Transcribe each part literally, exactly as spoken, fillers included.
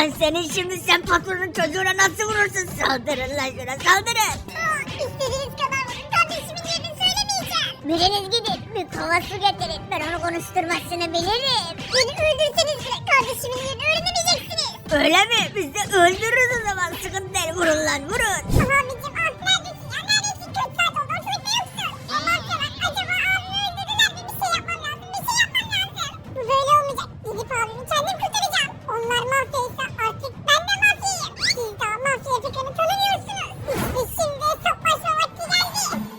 Lan senin şimdi sen patronun çocuğuna nasıl vurursun? Saldırın lan şuna saldırın. Aa, istediğiniz kadar vurun. Kardeşimin yerini söylemeyeceğim. Biriniz gidin bir kova su getirin. Ben onu konuşturmasını bilirim. Beni öldürseniz bile kardeşimin yerini öğrenemeyeceksiniz. Öyle mi? Biz de öldürürüz o zaman. Sıkıntı değil. Vurun lan vurun. Abicim ah neredesin ya neredesin? Kötü saat oldu ortalıkta yoksun. Ondan sonra acaba abimi öldürdüler mi? Bir şey yapmam lazım. Bir şey yapmam lazım. Bu böyle olmayacak. Gidip abimi kendim kurtaracağım. Onlar mafyaysa artık ben de mafyayım. Siz daha mafya fikrini tanımıyorsunuz. İşte şimdi hesaplaşma vakti geldi.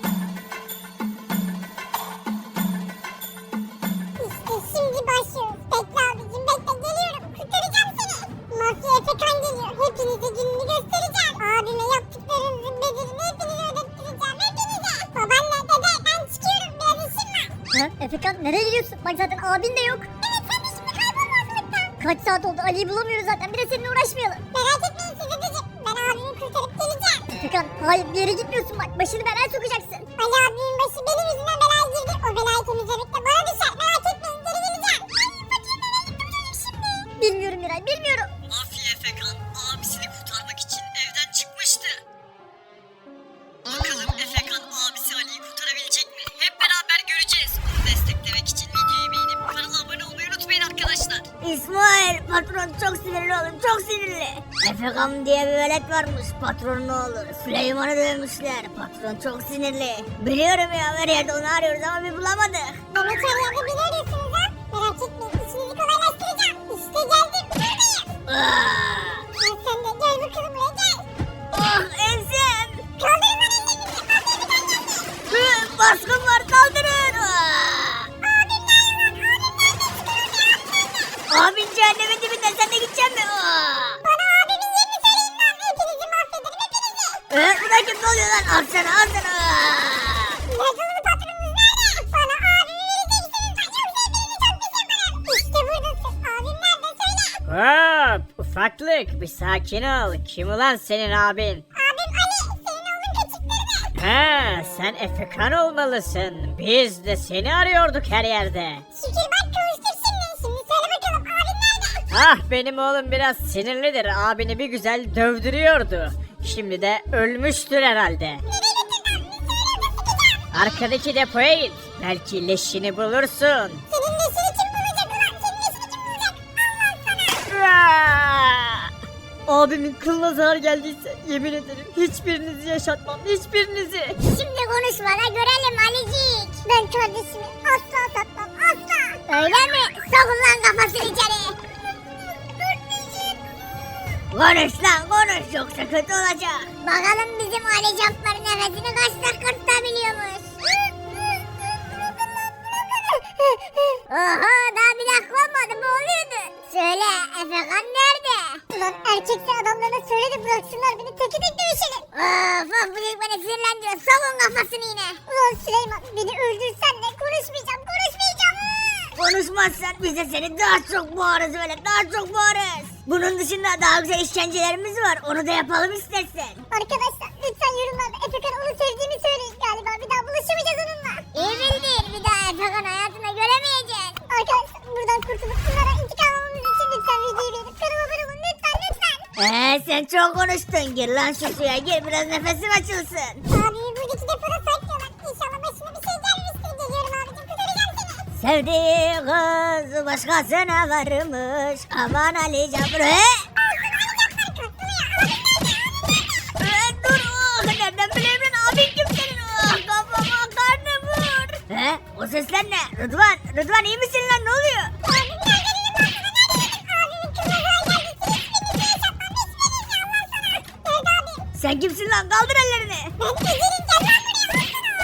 İşte şimdi başlıyoruz. Bekle abicim bekle geliyorum. Kurtaracağım seni. Mafya Efekan geliyor. Hepinize gününü göstereceğim. Abime yaptıklarınızın bedelini hepinize ödettireceğim. Hepinize. Babaanne dede ben çıkıyorum. Biraz işim var. Ha, Efekan nereye gidiyorsun? Bak zaten abin de yok. Evet sen de şimdi kaybolma ortalıktan. Kaç saat oldu Ali'yi bulamıyoruz zaten. Bir de seninle uğraşmayalım. Merak etmeyin siz dedeciğim. Ben abimi kurtarıp geleceğim. Efekan hayır bir yere gitmiyorsun bak. Başını belaya sokacaksın. Ali abimin başı benim yüzümden belaya girdi. O belayı temizlemek de bana düşer. Merak etmeyin geri geleceğim. Ay fakir nereye gitti bu çocuk şimdi? Bilmiyorum Miray bilmiyorum. Mafya Efekan abisini kurtarmak için evden çıkmıştı. Bakalım Efekan abisi Ali'yi kurtarabilecek mi? Hep beraber göreceğiz. Onu desteklemek için videoyu beğenip kanala abone olmayı unutmayın arkadaşlar. İsmail patron çok sinirli oğlum çok sinirli. Efekan diye bir velet varmış patronun oğlu. Süleyman'ı dövmüşler. Patron çok sinirli. Biliyorum ya her yerde onu arıyoruz ama bir bulamadık. Demek her yerde beni arıyorsunuz ha? Merak etmeyin işinizi kolaylaştıracağım. İşte geldim buradayım. Aa! Gel sen de gel bakalım buraya gel. Oh ensem. Kaldırın lan ellerinizi. Mafya Efekan geldi. Hı, baskın var kaldırın. Aa! Abim nerede lan? Abim nerede? Çıkıyor ya. Abin cehennemin dibinde sen de gideceksin mi? Aa! Bana abimin yerini söyleyin lan. Hepinizi mahvederim hepinizi. Ee, bu da kim oluyor lan? Al sana al sana. Aa! Yazılı patronunuz nerede? Bana abimi vereceksiniz lan. Yoksa hepinizi çok pis yaparım. İşte buradasın. Abim nerede söyle. Hop ufaklık bir sakin ol. Kim ulan senin abin? Abim Ali. Senin oğlun kaçıktırdı. Ha sen Efekan olmalısın. Biz de seni arıyorduk her yerde. Şükür bak kavuştuk şimdi. Şimdi söyle bakalım abin nerede? Ah benim oğlum biraz sinirlidir. Abini bir güzel dövdürüyordu. Şimdi de ölmüştür herhalde. Nereye getirdin abimi? Söyle de sıkacağım. Arkadaki depoya git. Belki leşini bulursun. Senin neşini kim bulacak ulan? Senin neşini kim bulacak? Allah sana. Aa! Abimin kılına zarar geldiyse yemin ederim hiçbirinizi yaşatmam. Hiçbirinizi. Şimdi konuşma da görelim Alicik. Ben kardeşimi asla satmam asla. Öyle mi? Sokun lan kafasını içeri. Konuş lan konuş yoksa kötü olacak. Bakalım bizim Ali Cabbar'ın nefesini kaç dakika tutabiliyormuş. Oho daha bir dakika olmadı mı oluyordu? Söyle Efekan nerede? Ulan erkekse adamlarına söyle de bıraksınlar beni teki tek dövüşelim. Of of bu çocuk beni sinirlendiriyor. Sokun kafasını yine. Ulan Süleyman beni öldürsen de konuşmayacağım konuşmayacağım. Konuşmazsan biz de seni daha çok boğarız böyle daha çok boğarız. Bunun dışında daha güzel işkencelerimiz var onu da yapalım istersen. Arkadaşlar lütfen yorumlarda Efekan onu sevdiğimi söyleyin galiba. Bir daha buluşamayacağız onunla. İyi bildin. Bir daha Efekan hayatında göremeyeceksin. Arkadaşlar buradan kurtulup bunlara intikam almamız için lütfen videoyu beğenip kanala abone olun. Lütfen lütfen. Eee sen çok konuştun gir lan şu suya gir biraz nefesim açılsın. Abimi buradaki depoda saklıyorlar. İnşallah başıma bir şey gelmiştir. Geliyorum abicim kurtaracağım seni. Sevdiği kız başkasına varmış aman Ali Cabbar. He? Ee, dur oh, nereden bileyim lan abin kim senin oh, kafama karnım vur. He o sesler ne Rıdvan Rıdvan iyi misin lan ne oluyor? Abim nerede dedim ben sana nerede dedim. Abimin kılına zarar geldi. Hiçbirinizi yaşatmam. Hiçbirinizi Allah sana. Nerede abim? Sen kimsin lan kaldır ellerini. Ben Ezel'in gel lan buraya.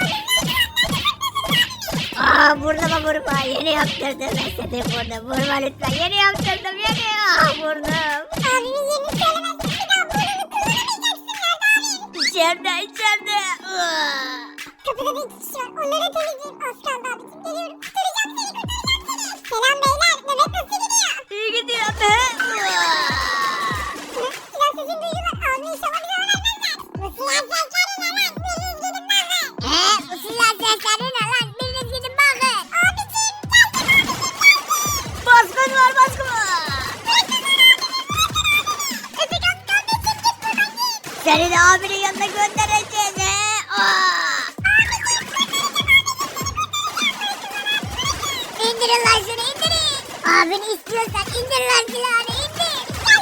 Aa burnuma vurma yeni yaptırdım ben seni burnum vurma lütfen yeni yaptırdım yeni ah burnum. Abimin yerini söylemezsin. Bir daha burnunu kullanamayacaksın. Nerede abim? İçeride içeride. Aa. Kapıda bir kişi var. Onları temizleyeyim. Az kaldı abicim. Geliyorum. Kurtaracağım seni. Kurtaracağım seni. Selam beyler. Nöbet nasıl gidiyor? İyi gidiyor be. Aa. Hı, silah sesini duyuyorlar. Abim inşallah bize öğrenmezler. Bu silah sesleri ne lan? Biriniz gidin bakın. Eee bu silah sesleri ne lan? Biriniz gidin bakın. Abicim geldim abicim geldim. Baskın var baskın var. Seni de abinin yanına göndereceğiz he. Aa! İndirin lan şunu indirin. Abini istiyorsan indir lan silahını indir.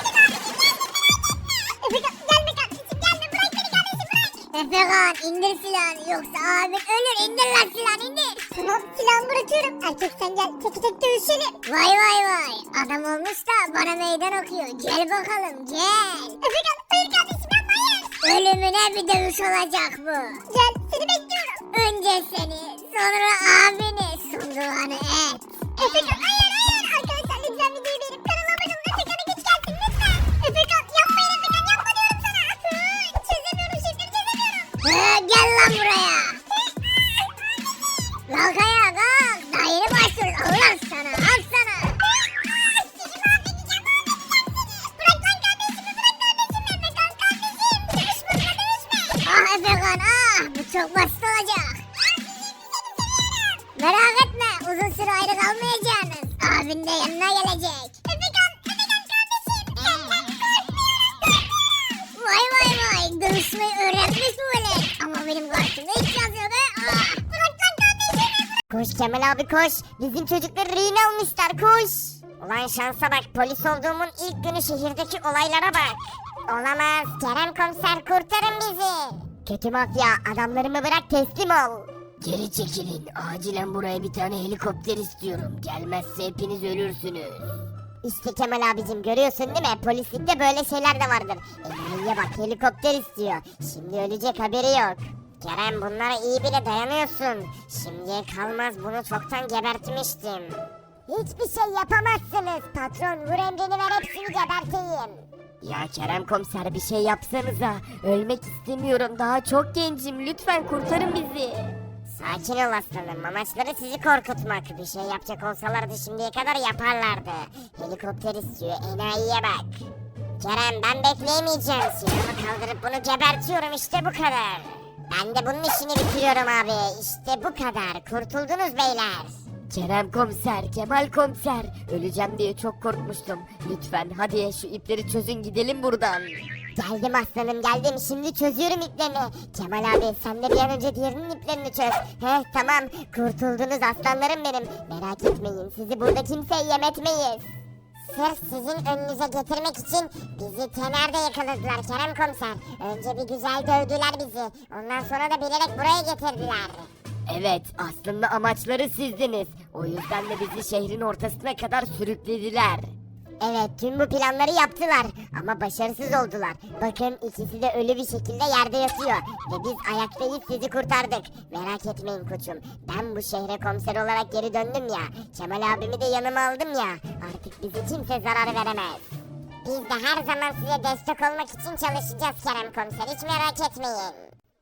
Efekan gelme kardeşim gelme bırak beni kardeşim bırak. Efekan indir silahını yoksa abin ölür indir lan silahını indir. Tamam silahımı bırakıyorum. Erkek sen gel teki tek dövüşelim. Vay vay vay adam olmuş da bana meydan okuyor. Gel bakalım gel. Efekan hayır kardeşim yapma hayır. Ölümüne bir dövüş olacak bu. Gel seni bekliyorum. Önce seni sonra abini sunduğunu et. Efekan hayır hayır. Arkadaşlar lütfen videoyu beğenip kanala abone olun. Efekan'a güç gelsin lütfen. Efekan yapmayın Efekan yapma diyorum sana. Hı, çözemiyorum şifreni çözemiyorum. He, gel lan buraya. Kalk ayağa kalk. Daha yeni başlıyoruz. Allah sana al sana. Bırak lan kardeşimi bırak kardeşimi. Efekan kardeşim. Dövüşme buna dövüşme. Ah Efekan ah bu çok basit olacak. Merak etme uzun süre ayrı kalmayacaksınız. Abin de yanına gelecek. Efekan Efekan kardeşim. Senden korkmuyorum. Vay vay vay dövüşmeyi öğrenmiş bu velet. Ama benim karşımda hiç yazıyor be. Ah. Bırak lan kardeşimi. Koş Kemal abi koş. Bizim çocukları rehin almışlar koş. Ulan şansa bak polis olduğumun ilk günü şehirdeki olaylara bak. Olamaz Kerem komiser kurtarın bizi. Kötü mafya adamlarımı bırak teslim ol. Geri çekilin. Acilen buraya bir tane helikopter istiyorum. Gelmezse hepiniz ölürsünüz. İşte Kemal abicim görüyorsun değil mi? Polislikte böyle şeyler de vardır. Emniye bak helikopter istiyor. Şimdi ölecek haberi yok. Kerem bunlara iyi bile dayanıyorsun. Şimdiye kalmaz bunu çoktan gebertmiştim. Hiçbir şey yapamazsınız. Patron vur emrini ver hepsini geberteyim. Ya Kerem komiser bir şey yapsanıza. Ölmek istemiyorum. Daha çok gencim. Lütfen kurtarın bizi. Sakin ol aslanım. Amaçları sizi korkutmak. Bir şey yapacak olsalardı şimdiye kadar yaparlardı. Helikopter istiyor. Enayiye bak. Kerem ben bekleyemeyeceğim. Silahımı kaldırıp bunu gebertiyorum işte bu kadar. Ben de bunun işini bitiriyorum abi. İşte bu kadar. Kurtuldunuz beyler. Kerem komiser, Kemal komiser. Öleceğim diye çok korkmuştum. Lütfen hadi şu ipleri çözün gidelim buradan. Geldim aslanım geldim. Şimdi çözüyorum iplerini. Kemal abi sen de bir an önce diğerinin iplerini çöz. Heh tamam. Kurtuldunuz aslanlarım benim. Merak etmeyin. Sizi burada kimseye yem etmeyiz. Sırf sizin önünüze getirmek için bizi Tener'de yakaladılar Kerem komiser. Önce bir güzel dövdüler bizi. Ondan sonra da bilerek buraya getirdiler. Evet, aslında amaçları sizdiniz. O yüzden de bizi şehrin ortasına kadar sürüklediler. Evet tüm bu planları yaptılar ama başarısız oldular. Bakın ikisi de ölü bir şekilde yerde yatıyor. Ve biz ayaktayız sizi kurtardık. Merak etmeyin koçum. Ben bu şehre komiser olarak geri döndüm ya. Kemal abimi de yanıma aldım ya. Artık bizi kimse zarar veremez. Biz de her zaman size destek olmak için çalışacağız Kerem komiser. Hiç merak etmeyin.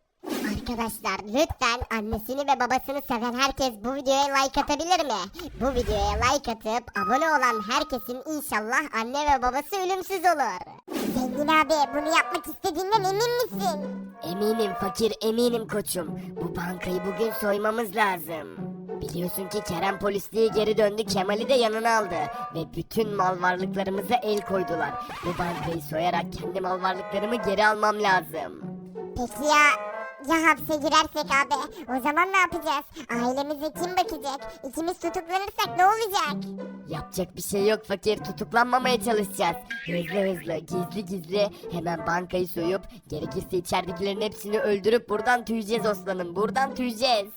Arkadaşlar lütfen annesini ve babasını seven herkes bu videoya like atabilir mi? Bu videoya like atıp abone olan herkesin inşallah anne ve babası ölümsüz olur. Zengin abi bunu yapmak istediğinden emin misin? Eminim fakir, eminim koçum. Bu bankayı bugün soymamız lazım. Biliyorsun ki Kerem polisliğe geri döndü, Kemal'i de yanına aldı. Ve bütün mal varlıklarımıza el koydular. Bu bankayı soyarak kendi mal varlıklarımı geri almam lazım. Peki ya ya hapse girersek abi o zaman ne yapacağız? Ailemize kim bakacak? İkimiz tutuklanırsak ne olacak? Yapacak bir şey yok fakir, tutuklanmamaya çalışacağız. Hızlı hızlı, gizli gizli hemen bankayı soyup gerekirse içeridekilerin hepsini öldürüp buradan tüyeceğiz aslanım, buradan tüyeceğiz.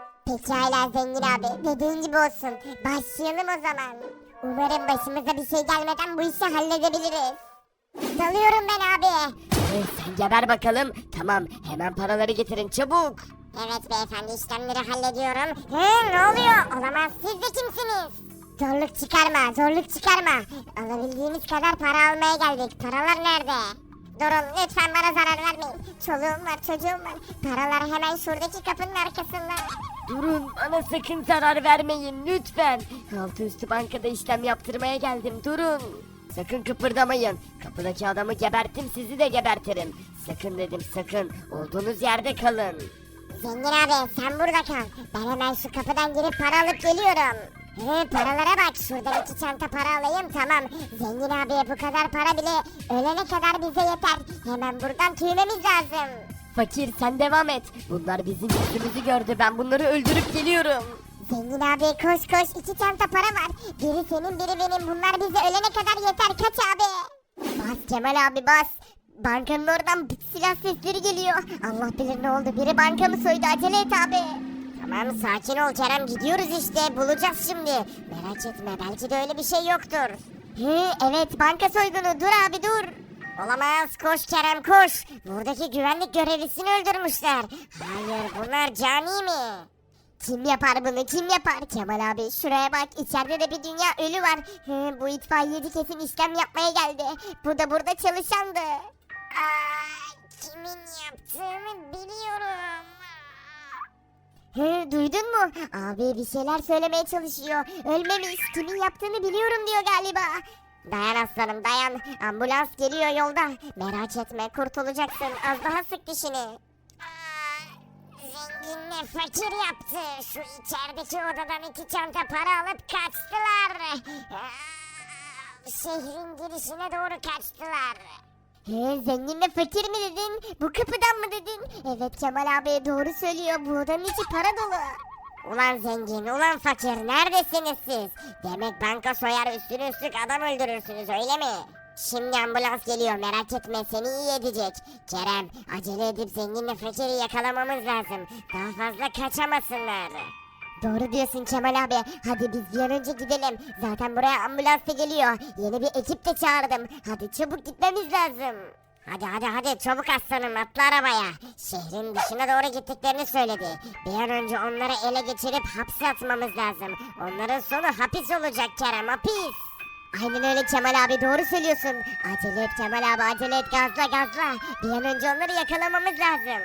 Pekala zengin abi dediğin gibi olsun. Başlayalım o zaman. Umarım başımıza bir şey gelmeden bu işi halledebiliriz. Dalıyorum ben abi. Hey, sen geber bakalım. Tamam, hemen paraları getirin çabuk. Evet beyefendi işlemleri hallediyorum. Hı, ne oluyor? Olamaz siz de kimsiniz? Zorluk çıkarma zorluk çıkarma. Alabildiğimiz kadar para almaya geldik. Paralar nerede? Durun lütfen bana zarar vermeyin. Çoluğum var çocuğum var. Paralar hemen şuradaki kapının arkasında. Durun, bana sakın zarar vermeyin lütfen. Altı üstü bankada işlem yaptırmaya geldim, durun. Sakın kıpırdamayın. Kapıdaki adamı geberttim, sizi de gebertirim. Sakın dedim, sakın. Olduğunuz yerde kalın. Zengin abi sen burada kal. Ben hemen şu kapıdan girip para alıp geliyorum. He, paralara bak, şuradan iki çanta para alayım, tamam. Zengin abiye bu kadar para bile ölene kadar bize yeter. Hemen buradan tüymemiz lazım. Fakir sen devam et. Bunlar bizim yüzümüzü gördü. Ben bunları öldürüp geliyorum. Zengin abi koş koş, iki çanta para var. Biri senin biri benim, bunlar bize ölene kadar yeter, kaç abi. Bas Kemal abi bas. Bankanın oradan silah sesleri geliyor. Allah bilir ne oldu, biri bankamı soydu, acele et abi. Tamam sakin ol Kerem, gidiyoruz işte, bulacağız şimdi. Merak etme, belki de öyle bir şey yoktur. Hı, evet banka soygunu, dur abi dur. Olamaz, koş Kerem koş. Buradaki güvenlik görevlisini öldürmüşler. Hayır, bunlar cani mi? Kim yapar bunu, kim yapar? Kemal abi şuraya bak, içeride de bir dünya ölü var. Hı, bu itfaiyeci kesin işlem yapmaya geldi. Bu da burada çalışandı. Aa, kimin yaptığını biliyorum. Hı, duydun mu? Abi bir şeyler söylemeye çalışıyor. Ölmemiş, kimin yaptığını biliyorum diyor galiba. Dayan aslanım dayan, ambulans geliyor yolda. Merak etme, kurtulacaksın, az daha sık dişini. Zenginle fakir yaptı. Şu içerideki odadan iki çanta para alıp kaçtılar. Aa, şehrin girişine doğru kaçtılar. He, zenginle fakir mi dedin? Bu kapıdan mı dedin? Evet Kemal abi doğru söylüyor. Bu odanın içi para dolu. Ulan zengin, ulan fakir, neredesiniz siz? Demek banka soyar, üstüne üstlük adam öldürürsünüz öyle mi? Şimdi ambulans geliyor, merak etme, seni iyi edecek. Kerem, acele edip zenginle fakiri yakalamamız lazım. Daha fazla kaçamasınlar. Doğru diyorsun Kemal abi. Hadi biz bir an önce gidelim. Zaten buraya ambulans da geliyor. Yeni bir ekip de çağırdım. Hadi çabuk gitmemiz lazım. Hadi hadi hadi çabuk aslanım, atla arabaya. Şehrin dışına doğru gittiklerini söyledi. Bir an önce onları ele geçirip hapse atmamız lazım. Onların sonu hapis olacak Kerem, hapis. Aynen öyle Kemal abi, doğru söylüyorsun. Acele et Kemal abi, acele et, gazla gazla. Bir an önce onları yakalamamız lazım.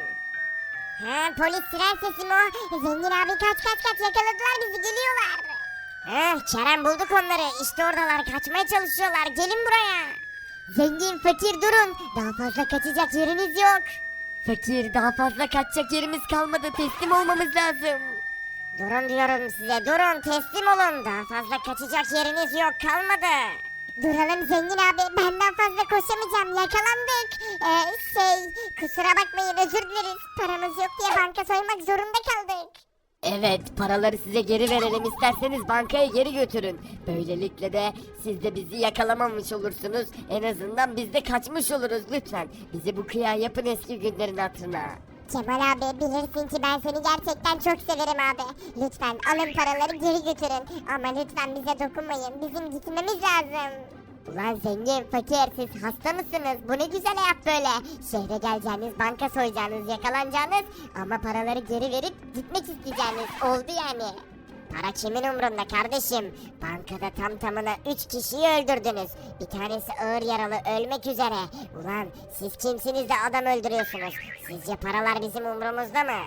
Ha, polis siren sesi mi o? Zengin abi kaç kaç kaç, yakaladılar bizi, geliyorlar. Ha, Kerem bulduk onları, işte oradalar, kaçmaya çalışıyorlar, gelin buraya. Zengin fakir durun, daha fazla kaçacak yeriniz yok. Fakir daha fazla kaçacak yerimiz kalmadı. Teslim olmamız lazım. Durun diyorum size, durun, teslim olun, daha fazla kaçacak yeriniz yok, kalmadı. Duralım zengin abi, benden fazla koşamayacağım, yakalandık. Ee, şey, kusura bakmayın, özür dileriz. Paramız yok diye banka soymak zorunda kaldık. Evet, paraları size geri verelim, isterseniz bankaya geri götürün. Böylelikle de siz de bizi yakalamamış olursunuz. En azından biz de kaçmış oluruz. Lütfen bize bu kıya yapın eski günlerin hatırına. Kemal abi, bilirsin ki ben seni gerçekten çok severim abi. Lütfen alın paraları geri götürün. Ama lütfen bize dokunmayın, bizim gitmemiz lazım. Ulan zengin fakir, siz hasta mısınız? Bu ne güzel hayat böyle. Şehre geleceğiniz, banka soyacağınız, yakalanacağınız ama paraları geri verip gitmek isteyeceğiniz oldu yani. Para kimin umrunda kardeşim? Bankada tam tamına üç kişiyi öldürdünüz. Bir tanesi ağır yaralı, ölmek üzere. Ulan siz kimsiniz de adam öldürüyorsunuz? Sizce paralar bizim umrumuzda mı?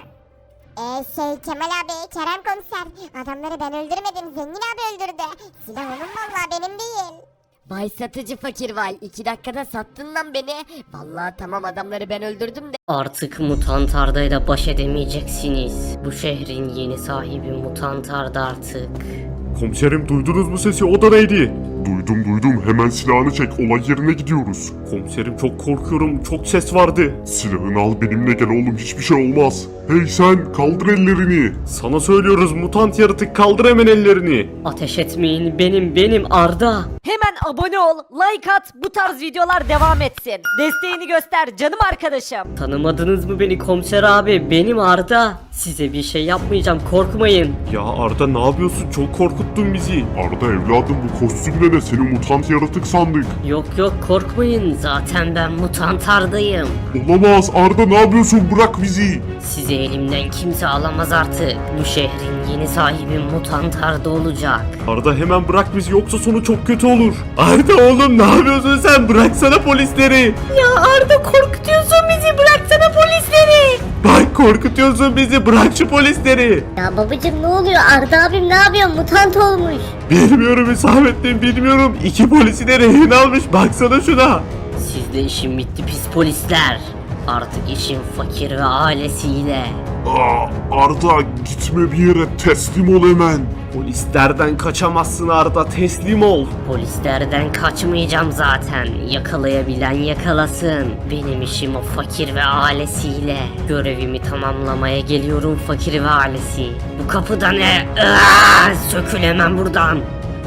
Eee şey Kemal abi, Kerem komiser. Adamları ben öldürmedim, zengin abi öldürdü. Silah onun vallahi, benim değil. Vay satıcı fakir vay, iki dakikada sattın lan beni. Vallahi tamam, adamları ben öldürdüm de. Artık Mutant Arda'yla baş edemeyeceksiniz. Bu şehrin yeni sahibi Mutant Arda artık. Komiserim duydunuz mu sesi, o da neydi? Duydum duydum, hemen silahını çek, olay yerine gidiyoruz. Komiserim çok korkuyorum, çok ses vardı. Silahını al, benimle gel oğlum, hiçbir şey olmaz. Hey sen, kaldır ellerini. Sana söylüyoruz mutant yaratık, kaldır hemen ellerini. Ateş etmeyin, benim benim Arda. Hemen abone ol, like at, bu tarz videolar devam etsin. Desteğini göster canım arkadaşım. Tanımadınız mı beni komiser abi? Benim Arda. Size bir şey yapmayacağım, korkmayın. Ya Arda ne yapıyorsun, çok korkuttun bizi. Arda evladım, bu kostümle ne, seni mutant yaratık sandık. Yok yok korkmayın, zaten ben Mutant Arda'yım. Olamaz Arda, ne yapıyorsun, bırak bizi. Sizi elimden kimse alamaz artık. Bu şehrin yeni sahibi Mutant Arda olacak. Arda hemen bırak bizi, yoksa sonu çok kötü olur. Arda oğlum ne yapıyorsun sen, bıraksana polisleri. Ya Arda korkutuyorsun bizi, bıraksana polisleri. Bak korkutuyorsun bizi, bırak şu polisleri. Ya babacım ne oluyor? Arda abim ne yapıyor? Mutant olmuş. Bilmiyorum Hüsamettin, bilmiyorum. İki polisi de rehin almış, baksana şuna. Sizde işim bitti pis polisler. Artık işim fakir ve ailesiyle. Aa, Arda gitme bir yere, teslim ol hemen. Polislerden kaçamazsın Arda, teslim ol. Polislerden kaçmayacağım zaten. Yakalayabilen yakalasın. Benim işim o fakir ve ailesiyle. Görevimi tamamlamaya geliyorum fakir ve ailesi. Bu kapıda ne? Aa, sökül hemen buradan.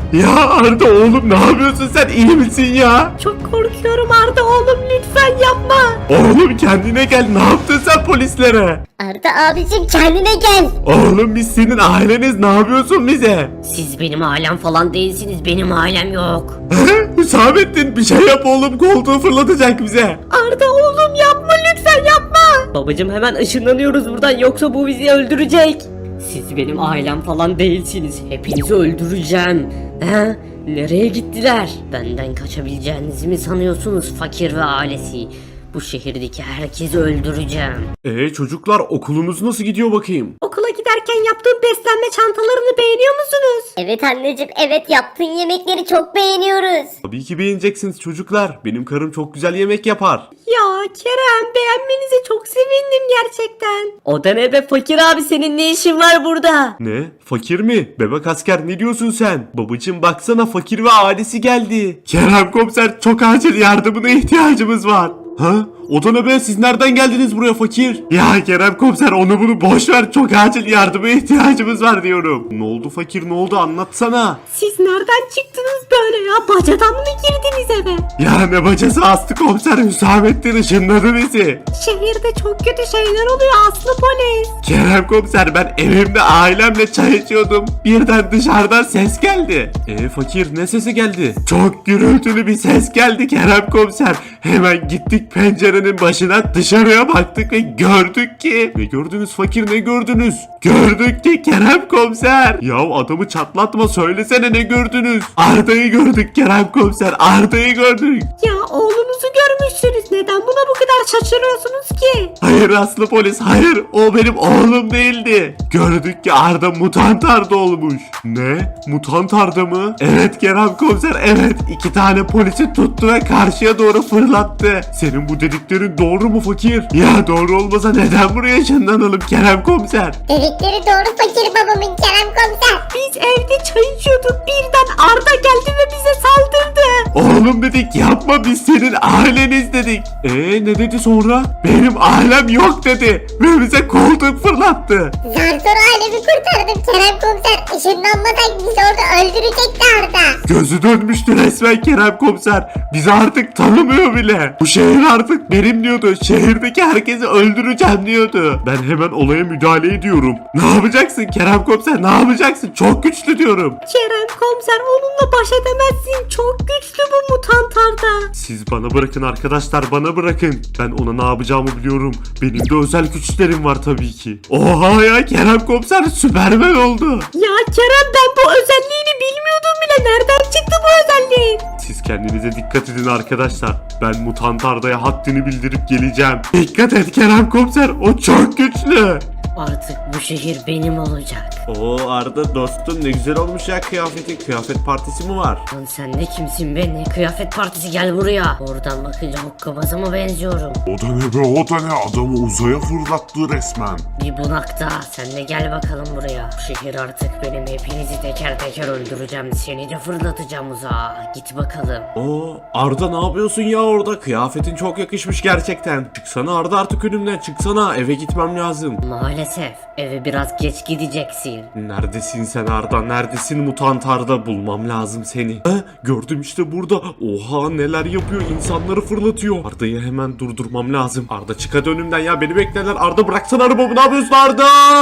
Ya Arda oğlum, ne yapıyorsun sen, iyi misin ya? Çok korkuyorum Arda oğlum, lütfen yapma. Oğlum kendine gel, ne yaptın sen polislere? Arda abicim kendine gel. Oğlum biz senin aileniz, ne yapıyorsun bize? Siz benim ailem falan değilsiniz, benim ailem yok. Hüsamettin bir şey yap oğlum, koltuğu fırlatacak bize. Arda oğlum yapma, lütfen yapma. Babacım hemen ışınlanıyoruz buradan, yoksa bu bizi öldürecek. Siz benim ailem falan değilsiniz. Hepinizi öldüreceğim. He? Nereye gittiler? Benden kaçabileceğinizi mi sanıyorsunuz fakir ve ailesi? Bu şehirdeki herkesi öldüreceğim. Ee çocuklar, okulunuz nasıl gidiyor bakayım? Okula giderken yaptığım beslenme çantalarını beğeniyor musunuz? Evet anneciğim, evet, yaptığın yemekleri çok beğeniyoruz. Tabii ki beğeneceksiniz çocuklar. Benim karım çok güzel yemek yapar. Ya Kerem, beğenmenize çok sevindim gerçekten. O da ne be fakir abi, senin ne işin var burada? Ne? Fakir mi? Bebek asker, ne diyorsun sen? Babacım baksana, fakir ve ailesi geldi. Kerem komiser, çok acil yardımına ihtiyacımız var. Ha? O da ne be? Siz nereden geldiniz buraya fakir? Ya Kerem komiser, onu bunu boş ver. Çok acil yardıma ihtiyacımız var diyorum. Ne oldu fakir, ne oldu, anlatsana. Siz nereden çıktınız böyle ya? Bacadan mı girdiniz eve? Ya ne bacası Aslı komiser, Hüsamettin ışınladı bizi. Şehirde çok kötü şeyler oluyor Aslı polis. Kerem komiser, ben evimde ailemle çay içiyordum. Birden dışarıdan ses geldi. E fakir, ne sesi geldi? Çok gürültülü bir ses geldi Kerem komiser. Hemen gittik pencerenin başına, dışarıya baktık ve gördük ki... Ne gördünüz fakir, ne gördünüz? Gördük ki Kerem komiser. Ya adamı çatlatma, söylesene ne gördünüz? Arda'yı gördük Kerem komiser, Arda'yı gördük. Ya oğlunuzu görmüşsünüz. Neden buna bu kadar şaşırıyorsunuz ki? Hayır Aslı polis, hayır, o benim oğlum değildi. Gördük ki Arda mutant Arda olmuş. Ne? Mutant Arda mı? Evet Kerem komiser, evet. İki tane polisi tuttu ve karşıya doğru fırlattı. Senin bu dediklerin doğru mu fakir? Ya doğru olmasa neden buraya ışınlanalım Kerem komiser? Dedikleri doğru fakir babamın Kerem komiser. Biz evde çay içiyorduk. Birden Arda geldi ve bize saldırdı. Oğlum dedik, yapma, biz senin aileniz dedik. Eee ne dedi sonra? Benim ailem yok dedi ve bize koltuk fırlattı. Zar zor ailemi kurtardım Kerem komiser. Işınlanmadan bizi orada öldürecekti Arda. Gözü dönmüştü resmen Kerem komiser. Bizi artık tanımıyor bile. Bu şehir artık benim diyordu. Şehirdeki herkesi öldüreceğim diyordu. Ben hemen olaya müdahale ediyorum. Ne yapacaksın Kerem komiser, ne yapacaksın? Çok güçlü diyorum. Kerem komiser, onunla baş edemezsin. Çok güçlü bu mutant Arda. Siz bana bırakın arkadaşlar, bana bırakın. Ben ona ne yapacağımı biliyorum. Benim de özel güçlerim var tabii ki. Oha ya, Kerem komiser Süperman oldu. Ya Kerem, ben bu özelliğini bilmiyordum bile. Nereden çıktı bu özelliğin? Siz kendinize dikkat edin arkadaşlar. Ben mutant Arda'ya haddini bildirip geleceğim. Dikkat et Kerem komiser, o çok güçlü. Artık bu şehir benim olacak. Oo Arda dostum, ne güzel olmuş ya kıyafetin. Kıyafet partisi mi var? Lan sen ne kimsin be? Ne kıyafet partisi, gel buraya. Oradan bakınca hokkabaza mı benziyorum? O da ne be, o da ne, adamı uzaya fırlattı resmen. Bir bunakta. Sen de gel bakalım buraya. Bu şehir artık benim. Hepinizi teker teker öldüreceğim. Seni de fırlatacağım uzağa. Git bakalım. Oo Arda, ne yapıyorsun ya orada? Kıyafetin çok yakışmış gerçekten. Çıksana Arda artık önümden, çıksana, eve gitmem lazım. Maalesef eve biraz geç gideceksin. Neredesin sen Arda? Neredesin mutant Arda? Bulmam lazım seni. He? Gördüm işte burada. Oha, neler yapıyor? İnsanları fırlatıyor. Arda'yı hemen durdurmam lazım. Arda çık hadi önümden ya, beni beklerler. Arda bıraksana arabamı, ne yapıyorsun Arda?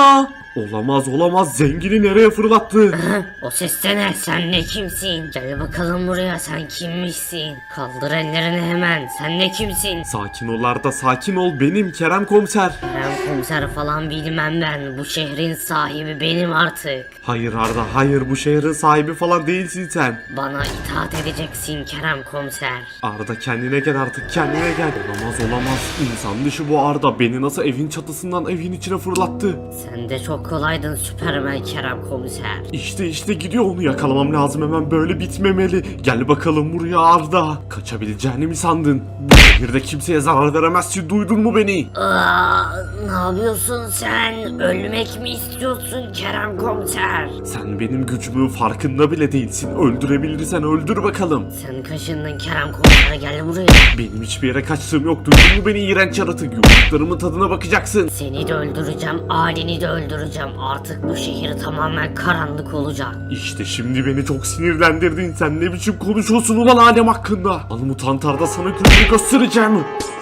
Olamaz olamaz, zengini nereye fırlattı? O ses de ne? Sen ne kimsin? Gel bakalım buraya, sen kimmişsin? Kaldır ellerini hemen. Sen ne kimsin? Sakin ol Arda, sakin ol, benim Kerem komiser. Kerem komiser falan bilmem ben. Bu şehrin sahibi benim artık. Hayır Arda, hayır, bu şehrin sahibi falan değilsin sen. Bana itaat edeceksin Kerem komiser. Arda kendine gel artık, kendine gel. Olamaz olamaz, insan dışı bu Arda. Beni nasıl evin çatısından evin içine fırlattı? Sen de çok Çok kolaydın Süpermen Kerem komiser. İşte işte gidiyor, onu yakalamam lazım, hemen böyle bitmemeli. Gel bakalım buraya Arda. Kaçabileceğini mi sandın? Bu şehirde kimseye zarar veremezsin, duydun mu beni? Aa, ne yapıyorsun sen? Ölmek mi istiyorsun Kerem komiser? Sen benim gücümün farkında bile değilsin. Öldürebilirsen öldür bakalım. Sen kaşındın Kerem komiser, gel buraya. Benim hiçbir yere kaçtığım yok, duydun mu beni iğrenç yaratık? Yumruklarımın tadına bakacaksın. Seni de öldüreceğim, aileni de öldüreceğim. Artık bu şehir tamamen karanlık olacak. İşte şimdi beni çok sinirlendirdin. Sen ne biçim konuşuyorsun ulan alem hakkında? Al mutant Arda, sana gününü göstereceğim.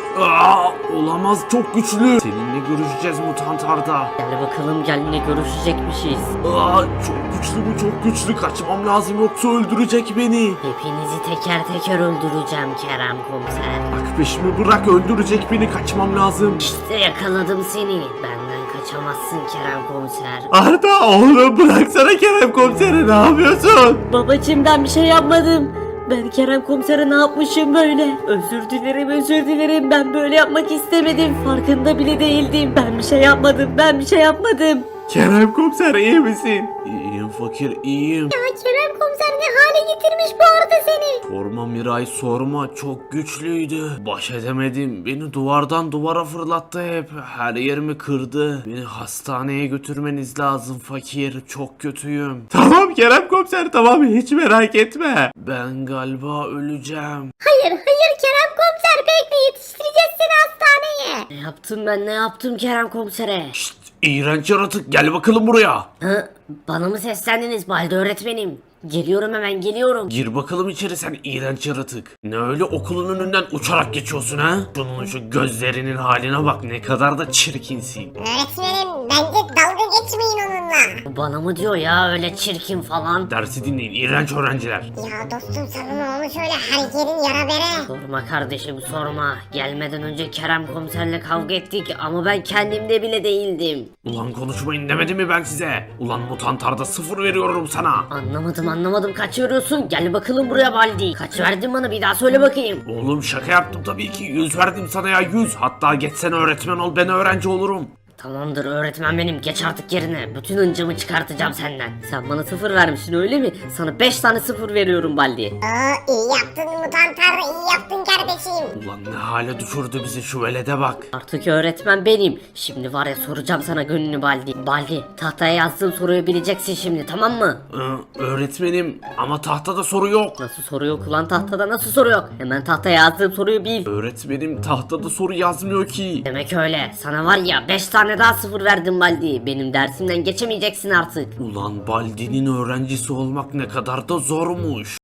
Aa, olamaz, çok güçlü. Seninle görüşeceğiz mutant Arda. Gel bakalım, gel, ne görüşecekmişiz. Aa, çok güçlü bu, çok güçlü. Kaçmam lazım yoksa öldürecek beni. Hepinizi teker teker öldüreceğim Kerem komiser. Bak peşimi bırak, öldürecek beni, kaçmam lazım. İşte yakaladım seni. Benden kaçamazsın Kerem komiser. Arda oğlum bıraksana Kerem komiseri, ne yapıyorsun? Babacım, ben bir şey yapmadım. Ben Kerem komisere ne yapmışım böyle? Özür dilerim, özür dilerim. Ben böyle yapmak istemedim. Farkında bile değildim. Ben bir şey yapmadım. Ben bir şey yapmadım. Kerem komiser iyi misin? İyiyim fakir, iyiyim. Ya Kerem komiser ne hale getirmiş bu arada seni? Sorma Miray, sorma, çok güçlüydü. Baş edemedim, beni duvardan duvara fırlattı hep. Her yerimi kırdı. Beni hastaneye götürmeniz lazım fakir, çok kötüyüm. Tamam Kerem komiser, tamam, hiç merak etme. Ben galiba öleceğim. Hayır hayır Kerem komiser bekle, yetiştireceğiz seni hastaneye. Ne yaptım ben, ne yaptım Kerem komisere? Şşt, iğrenç yaratık, gel bakalım buraya. Hı? Bana mı seslendiniz Balde öğretmenim? Geliyorum, hemen geliyorum. Gir bakalım içeri sen iğrenç yaratık. Ne öyle okulun önünden uçarak geçiyorsun ha? Şunun şu gözlerinin haline bak, ne kadar da çirkinsin. Öğretmenim bence dalga geçmeyin onunla. Bu bana mı diyor ya öyle çirkin falan? Dersi dinleyin iğrenç öğrenciler. Ya dostum sana ne olmuş öyle her yerin yara bere. Sorma kardeşim, sorma. Gelmeden önce Kerem komiserle kavga ettik ama ben kendimde bile değildim. Ulan konuşmayın demedim mi ben size? Ulan mutantarda sıfır veriyorum sana. Anlamadım anlamadım, kaç veriyorsun? Gel bakalım buraya Baldi. Kaç verdin bana, bir daha söyle bakayım. Oğlum şaka yaptım tabii ki, yüz verdim sana ya, yüz. Hatta geçsene öğretmen ol, ben öğrenci olurum. Tamamdır öğretmen benim, geç artık yerine. Bütün hıncımı çıkartacağım senden. Sen bana sıfır vermişsin öyle mi? Sana beş tane sıfır veriyorum Baldi. Aa iyi yaptın mutantar, iyi yaptın kardeşim. Ulan ne hale düşürdü bizi şu velede bak. Artık öğretmen benim. Şimdi var ya, soracağım sana gününü Baldi. Baldi, tahtaya yazdığım soruyu bileceksin şimdi, tamam mı? Ee, öğretmenim ama tahtada soru yok. Nasıl soru yok ulan, tahtada nasıl soru yok? Hemen tahtaya yazdığım soruyu bil. Öğretmenim tahtada soru yazmıyor ki. Demek öyle. Sana var ya beş tane daha sıfır verdim Baldi. Benim dersimden geçemeyeceksin artık. Ulan Baldi'nin öğrencisi olmak ne kadar da zormuş.